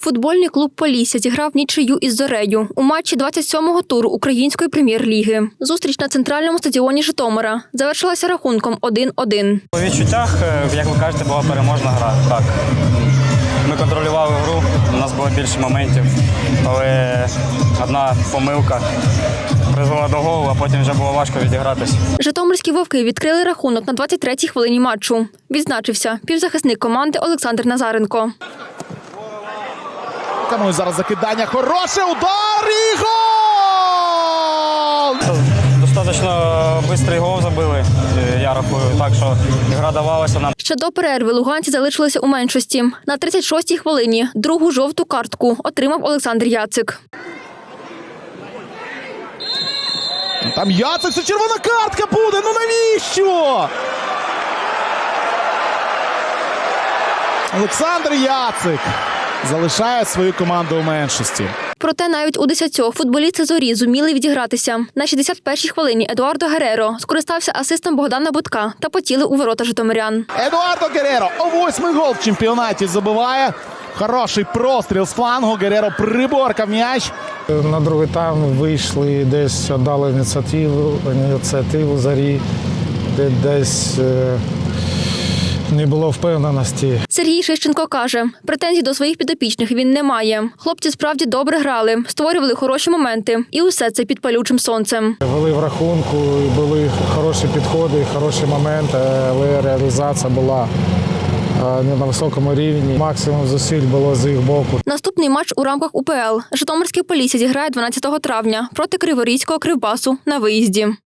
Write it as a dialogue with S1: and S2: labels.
S1: Футбольний клуб «Полісся» зіграв нічию із «Зорею» у матчі 27-го туру Української прем'єр-ліги. Зустріч на центральному стадіоні Житомира завершилася рахунком 1-1.
S2: У відчуттях, як ви кажете, була переможна гра. Так. Ми контролювали гру, у нас було більше моментів, але одна помилка призвела до голу, а потім вже було важко відігратися.
S1: Житомирські вовки відкрили рахунок на 23-й хвилині матчу. Відзначився півзахисник команди Олександр Назаренко.
S3: Тому зараз закидання, хороше, удар і гол!
S2: Достатньо швидкий гол забили, я рахую, так що гра давалася нам.
S1: Ще до перерви луганці залишилися у меншості. На 36-й хвилині другу жовту картку отримав Олександр Яцик.
S3: Там Яцик, це червона картка буде, ну навіщо? Олександр Яцик залишає свою команду у меншості.
S1: Проте навіть у 10-х футболісти «Зорі» зуміли відігратися. На 61-й хвилині Едуардо Гереро скористався асистом Богдана Будка та потіли у ворота житомирян.
S3: Едуардо Гереро о 8-й гол в чемпіонаті забиває. Хороший простріл з флангу, Гереро приборкав м'яч.
S4: На другий тайм вийшли, десь дали ініціативу «Зорі», десь не було впевненості.
S1: Сергій Шищенко каже, претензій до своїх підопічних він не має. Хлопці справді добре грали, створювали хороші моменти. І усе це під палючим сонцем.
S4: Вели в рахунку, були хороші підходи, хороші моменти, але реалізація була не на високому рівні. Максимум зусиль було з їх боку.
S1: Наступний матч у рамках УПЛ. Житомирське «Полісся» зіграє 12 травня проти Криворізького «Кривбасу» на виїзді.